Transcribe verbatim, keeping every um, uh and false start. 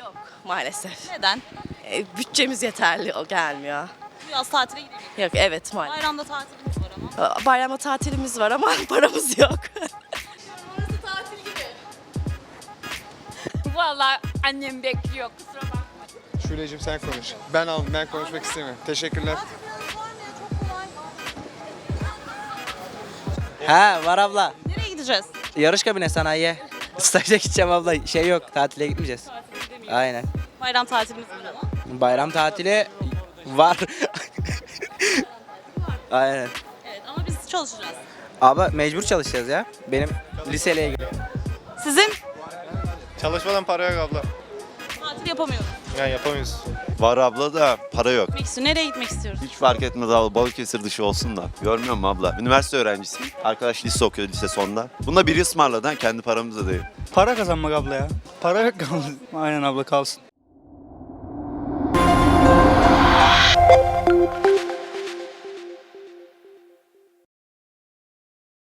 Yok maalesef. Neden? E, bütçemiz yeterli o gelmiyor. Bu yaz tatile gidelim. Yok evet maalesef. Bayramda tatilimiz var ama. Bayramda tatilimiz var ama paramız yok. Burası tatil gibi. Vallahi annem bekliyor. Kusura bakma. Şule'cim sen konuş. Ben aldım, ben konuşmak istemiyorum. Teşekkürler. Ha var abla. Nereye gideceğiz? Yarış kabine sanayiye. Staja gideceğim abla. Şey yok, tatile gitmeyeceğiz. Aynen. Bayram tatilimiz var ama. Bayram tatili var. Aynen. Evet ama biz çalışacağız. Abla mecbur çalışacağız ya. Benim liseyle ilgili. Sizin? Çalışmadan para yok abla. Tatil yapamıyoruz. Yani yapamayız. Var abla da para yok. Gitmek istiyor. Nereye gitmek istiyoruz? Hiç fark etmez abla, Balıkesir dışı olsun da. Görmüyor musun abla? Üniversite öğrencisiyim. Arkadaş lise okuyor, lise sonunda. Bunda biri ısmarladı ha, kendi paramızla değil. Para kazanmak abla ya. Para yok kaldı. Aynen abla kalsın.